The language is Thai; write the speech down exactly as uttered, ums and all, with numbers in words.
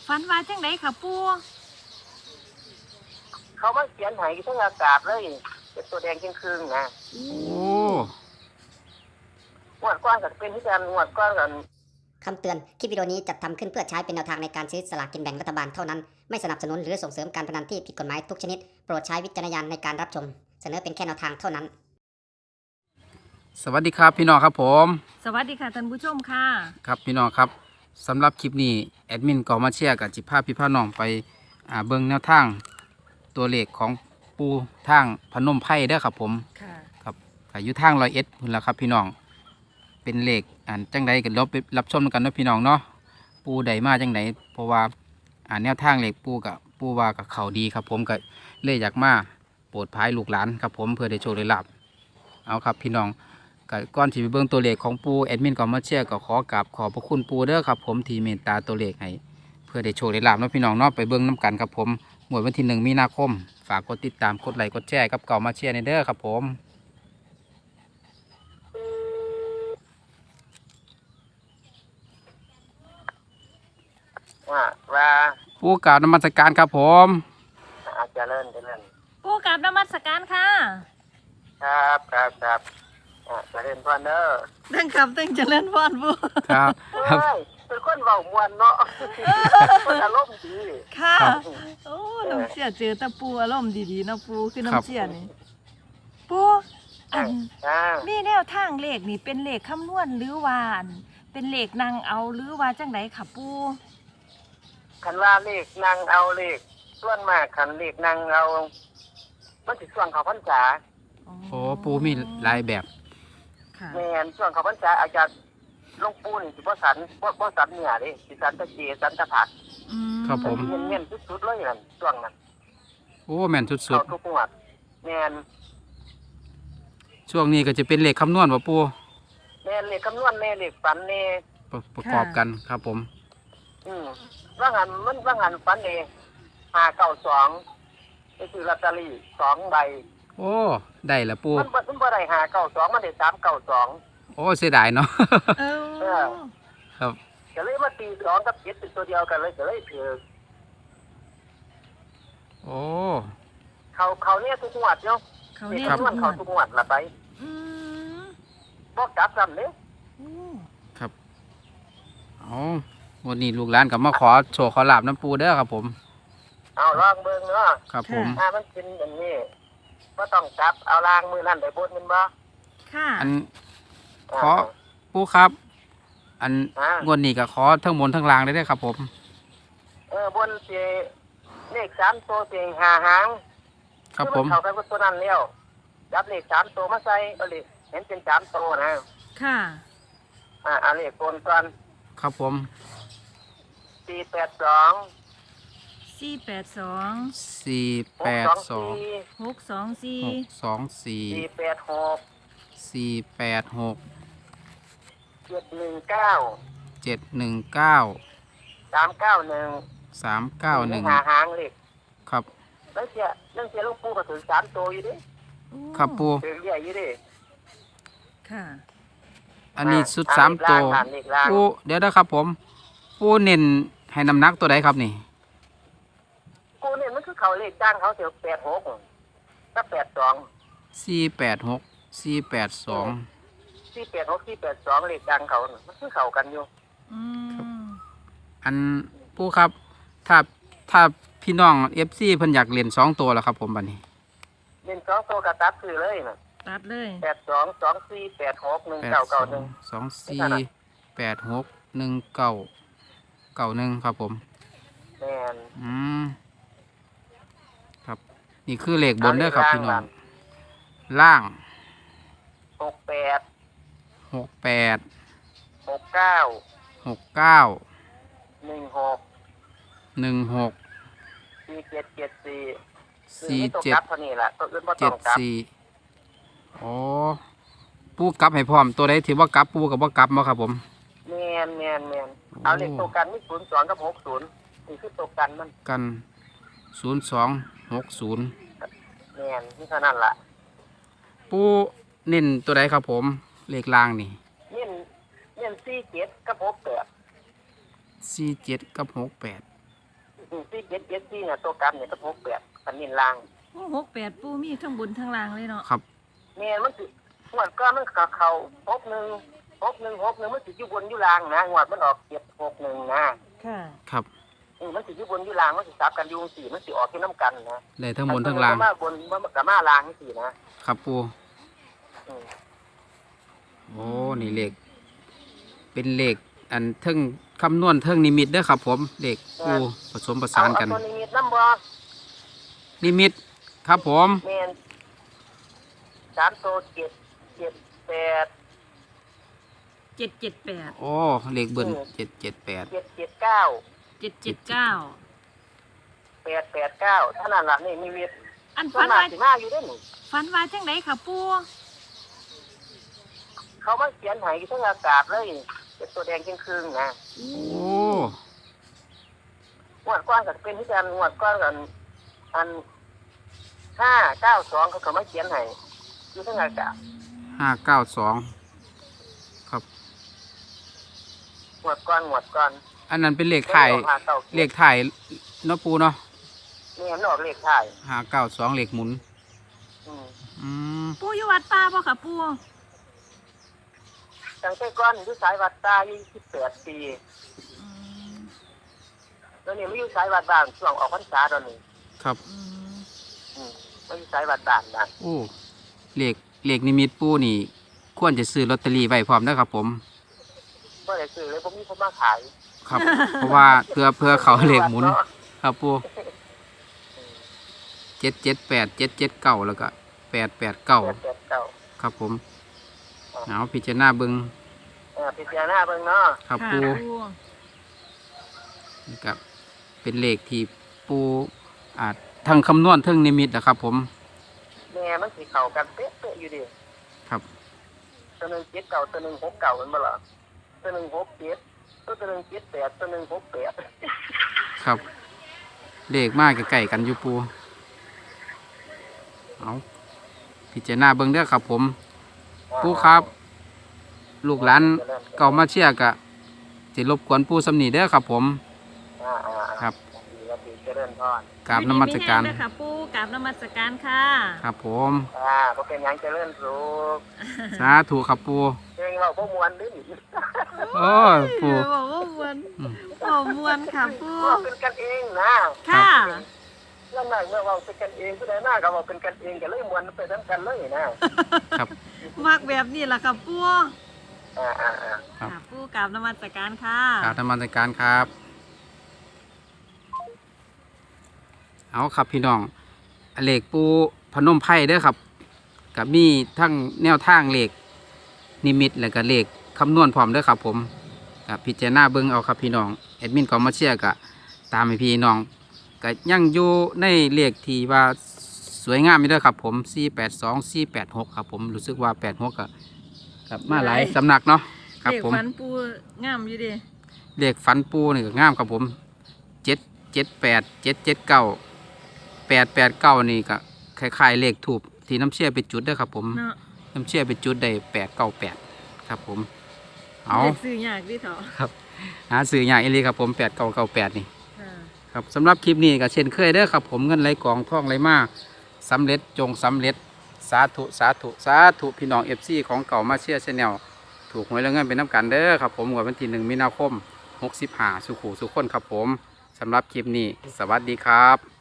ฝันว่าจังไดค่ะปูเขามาเขียนให้ทั้งอากาศเลยเป็นตัวแดงจึงคืนนะโอ้งวดก้อนกับเป็นที่การงวดก้อนกันคำเตือน คลิปวิดีโอนี้จัดทำขึ้นเพื่อใช้เป็นแนวทางในการซื้อสลากกินแบ่งรัฐบาลเท่านั้น ไม่สนับสนุนหรือส่งเสริมการพนันที่ผิดกฎหมายทุกชนิด โปรดใช้วิจารณญาณในการรับชม เสนอเป็นแค่แนวทางเท่านั้นสวัสดีครับพี่น้องครับผมสวัสดีค่ะท่านผู้ชมค่ะครับพี่น้องครับสำหรับคลิปนี้แอดมินก็มาเชียร์กับจิภาพพี่พ่อน้องไปอ่าเบิ่งแนวทางตัวเลขของปูทางพนมไพรเด้อครับผมค่ะครับอายุทางร้อยเอ็ดพุ่นละครับพี่น้องเป็นเลขอ่านจังใดกันเราไปรับชมกันเนาะพี่น้องเนาะปูใดมาจังใดเพราะว่าอ่านแนวทางเลขปูกับปูว่ากับเขาดีครับผมก็เลยอยากมาโปรดภายลูกหลานครับผมเพื่อได้โชคได้ลาภเอาครับพี่น้องก่อนที่ไปเบิ่งตัวเลขของปูแอดมินก็มาเชียร์ก็ขอกราบขอบพระคุณปูเด้อครับผมที่เมตตาตัวเลขให้เพื่อได้โชคได้ลาภเนาะพี่น้องเนาะไปเบิ่งน้ำกันครับผมหมวดวันที่หนึ่งมีนาคมฝากกดติดตามกดไลค์กดแชร์กับเก่ามาเชียร์ในเด้อครับผมว่าว่าปูกราบนมัสการครับผมอาจจะเริ่มจะเริ่มปูกราบนมัสการค่ะครับครับครับอ่าจะเริ่มพอนเนอร์ตั้งครับตั้งเจริญพรปูครับครับเป็นคนเบามวนเนาะคนอารมณ์ดีค่ะโอ้น้ำเชี่ยเจอแต่ปูอารมณ์ดีๆเนาะปูคือน้ำเชี่ยนี่ปูอันอ่ามีแนวทางเลขนี่เป็นเลขคำนวณหรือว่าอันเป็นเลขนางเอาหรือว่าจังไดค่ะปูคันว่าเลขนางเอาเลขส่วนมากคันเลขนางเอามันสิส่วนเขาพรรษาโอ้ปูมีหลายแบบค่ะแม่นส่วนเขาพรรษาอาจารย์หลวงปู่นี่สิบ่สันบ่บ่สันเหนือเด้สิสันตะเกียสันตะผักอืมครับผมเน้นๆสุดๆเลยนั่นช่วงนั้นโอ้แม่นสุดเขาทุกงวดแม่นๆช่วงนี้ก็จะเป็นเลขคำนวณป่ะปูแม่นเลขคำนวณแม่เลขฝันแน่ประประกอบกันครับผมอืมว่างันมันว่างันฝันเองห้าเก้าสองไปซื้อลอตเตอรี่สองใบโอ้ได้ละปูมันบ่มันบ่ได้ห้าเก้าสองมันได้สามเก้าสองโอ้เสียดายเนาะเออครับก็เลยมาตีสองกับเจ็ดเป็นตัวเดียวกันเลยก็เลยถือโอ้เขาเขาเนี่ยทุกงวดเนาะเขาเลขเนี่ยคำนวณเขาทุกงวดละไปอืมบ่กลับซ้ำเด้โอ้ครับเอาวันนี้ลูกหลานกับมาขอโชว์ขอลาบน้ำปูเด้อครับผมเอาลองเบิ่งเนาะครับผมถ้ามันเป็นอย่างนี้บ่ต้องกลับเอาล่างมือนั่นได้บนมันบ่ค่ะอันขอปูครับ อันอ่างวดนี้ก็ขอทั้งบนทั้งล่างได้เด้อครับผมเออบนสิเลขสามตัวสิห้าหางครับผมอเข้ากันกับตัวนั้นแล้วจับเลขสามตัวมาใส่เอาเลขเห็นเป็นสามตัวนะค่ะอ่าเอาเลขโกนก่อนครับผมสี่แปดสองสี่แปดสองสี่หแปกดสองสองสี่หกสองสี่หกสองสี่สี่แปดหกสี่แปดหกเจ็ดหนึ่งเก้าเจ็ดหนึ่งเก้าสามเก้าหนึ่งสามเก้าหนึ่งหาหางเลขครับแล้วเสียเรื่องเสียลูกปูก็ถึงสามตัวอยู่ดิโอ้ครับปูถึงเรียกอยู่ดิค่ะอันนี้สุดสามตัวอ่าเลขล่างปูเดี๋ยวนะครับผม ปูเน้นให้น้ำหนักตัวใดครับนี่กูเนี่ยมันคือเขาเลขจ้างเขาเสียแปดหกก็แปดสองสี่แปดหกสี่แปดสองสี่แปดหกสี่แปดสองเลขจ้างเขาน่ะมันคือเขากันอยู่อืมอันปูครับ ถ้าถ้าพี่น้องเอฟซีเพิ่นอยากเล่นสองตัวแล้วครับผมบัดนี้เล่นสองตัวกระตับคือเลยน่ะตัดเลยแปดสองสองสี่แปดหกหนึ่งแปดเก้าสอเก้าง หนึ่งสองสี่แปดหกหนึ่งเก้าเก้าหนึ่งครับผมแม่นอืมครับ นี่คือเลขบนเด้อครับพี่น้องล่างหกแปดหกแปดหกเก้าหกเก้าหนึ่งหกหนึ่งหกสี่เจ็ดเจ็ดสี่สี่ตัวเจ็ดกลับเท่านี้แหละตัวอื่นบ่ต้เจ็อดงกลับสี่โอ้ปูกลับให้พร้อมตัวใดถือว่ากลับปูกับว่ากลับมาครับผมแม่นแม่นแม่นโอ้เอาเลขตัวกันมีศูนย์สองกับหกศูนย์นี่คือตัวกันมันกันศูนย์สองหกศูนย์แม่นนี่เท่านั้นล่ะปูเน้นตัวใดครับผมเลขล่างนี่เน้นเน้นสี่เจ็ดกับหกแปดสี่เจ็ดกับหกแปดเจ็ดเจ็ดสี่เนี่ยตัวกลับเนี่ยก็หกแปดคันนินล่างโอ้หกแปดปูมีทั้งบนทั้งล่างเลยเนาะครับแม่มันสิงวดก้อนมันกับเขาหกหนึ่งหกหนึ่งหกหนึ่งมันสิอยู่บนอยู่ล่างนะงวดมันออกเจ็ดหกหนึ่งนะค่ะครับอืมมันสิอยู่บนอยู่ล่างมันสิซับกันอยู่สี่มันสิออกที่น้ำกันนะได้ทั้งบนทั้งล่างมาบนมันกับมาล่างสี่นะครับปูอืมโอ้นี่เลขเป็นเลขอันเทิงคำนวณเทิงนิมิตเด้อครับผมเลขปูผสมประเอาสานเอากันตัวนี้มีน้ำบ่นิมิตครับผมแม่นสามตัวเจ็ดเจ็ดแปดเจ็ดเจ็ดแปดโอ้เลขเบิ้ลเจ็ดเจ็ดแปดเจ็ดเจ็ดเก้าเจ็ดเจ็ดเก้าแปดแปดเก้าเท่านั้นละนี่มีเวทอันส่วฝันนมากว่าสิมาอยู่เด้หนิฝันว่าจังไดค่ะปูเขามาเขียนใหายทั้งอากาศเลยเป็นตัวแดงครึ่งๆนะโอ้งวดก้อนก็เป็นที่กันงวดก้อนกันอันห้าเก้าสองเขาก็มาเขียนให้อยู่ทั้งอากาศห้าเก้าสองครับงวดก้อนงวดก้อนอันนั้นเป็นเลขถ่ายห้าเก้าเลขถ่ายเนาะปูเนาะนี่เห็นออกเลขถ่ายห้าเก้าสองเลขหมุนอืมอืมปูอยู่วัดป่าบ่ค่ะปูตั้งแต่ก้อนอยู่สายวัดตายี่สิบแปดปีอืมแล้วนี่ไม่อยู่สายวัดบ้านช่วงออกพรรษาตอนนี้ครับอืมอืมไม่อยู่สายวัดบ้านนะโอ้เลขเลขนิมิตปูนี่ ควรจะซื้อลอตเตอรี่ไว้พร้อมนะครับผมก็เลยซื้อเลยผมมีคนมาขายครับ เพราะว่าเพื่อเพื่อเขาเลขหมุน ครับปูเจ็ดเจ็ดแปดเจ็ดเจ็ดเก้าแล้วก็แปดแปดเก้าแปดแปดเก้าครับผมเอาพิจารณาเบิงเออพิจารณาเบิ่งเนาะครับค่ะปูปูนี่ครับเป็นเลขที่ปูอาจทั้งคำนวณทั้งนิมิตนะครับ ผมแม่มันสีเข่ากันเป๊ะๆอยู่ดิครับตัวหนึ่งเจ็ดเก่าตัวหนึ่งหกเก่ามันบ่ล่ะตัวหนึ่งหกเจ็ดตัวตัวหนึ่งเจ็ดแปดตัวหนึ่งหกแปดครับเลขมากใกล้ๆกันอยู่ปูเอาพิจารณาเบิงเด้อครับ ผม ปูครับ ลูกหลานเก่ามาเชียร์กะสิรบกวนปูสำนีเด้อครับ ผมอ่าอ่าครับดีครับดีเจริญพรกราบนมัสการอยู่ดีมีแห้งเด้อค่ะปูกราบนมัสการค่ะครับ ผมอ่าบ่เป็นหยังเจริญสุขสาธุครับปูเพลงเราบ่ม่วนเดิโอ้ยปูบอกว่ามวนบอกมวนค่ะปูว่าเป็นกันเองนะค่ะเรื่องนั้นเมื่อว่าเป็นกันเองผู้ใดหน้าก็ว่าเป็นกันเองก็เลยม่วนไปนํกันเลยนะครับมากแบบนี้ล่ะค่ะปูอ่าอ่าอ่าครับค่ะปูกราบนมัสการค่ะกราบนมัสการครับ เอาครับพี่น้องเลขปูพนมไพ่เด้อครับกับมีทั้งแนวทางเลขนิมิตและก็เลขคำนวณพร้อมเด้อครับ ผมกับพิจารณาเบิ้งเอาครับพี่น้องแอดมินก็มาเชียร์กะตามให้พี่น้องก็ยังอยู่ในเลขที่ว่าสวยงามอยู่เด้อครับ ผมสี่แปดสอง สี่แปดหกครับผมรู้สึกว่าแปดหกกับกับมาหลายสำนักเนาะครับเด็กผมฟันปูงามอยู่เดิเลขฝันปูนี่ก็งามครับผมเจ็ดเจ็ดแปดเจ็ดเจ็ดเก้าแปดแปดเก้านี่ก็คล้ายๆเลขถูกที่น้ำเชื่อไปจุดเด้อครับผมเนาะน้ำเชื่อไปจุดได้แปดเก้าแปดครับผมเอาเด็กซื้อยากดิเถอะครับหาสื่ออย่างอีหลีครับผมแปดเก้าเก้าแปดนี่ค่ะครับสำหรับคลิปนี้ก็เช่นเคยเด้อครับผมเงินไหลกองท่องไหลมาสำเร็จจงสำเร็จสาธุสาธุสาธุพี่น้องเอฟซีของเก่ามาเชียร์ชแนลถูกหวยแล้วเงินเป็นน้ำกันเด้อครับผมงวดวันที่หนึ่งมีนาคมหกสิบห้าสุขุสุขคนครับผมสำหรับคลิปนี้สวัสดีครับ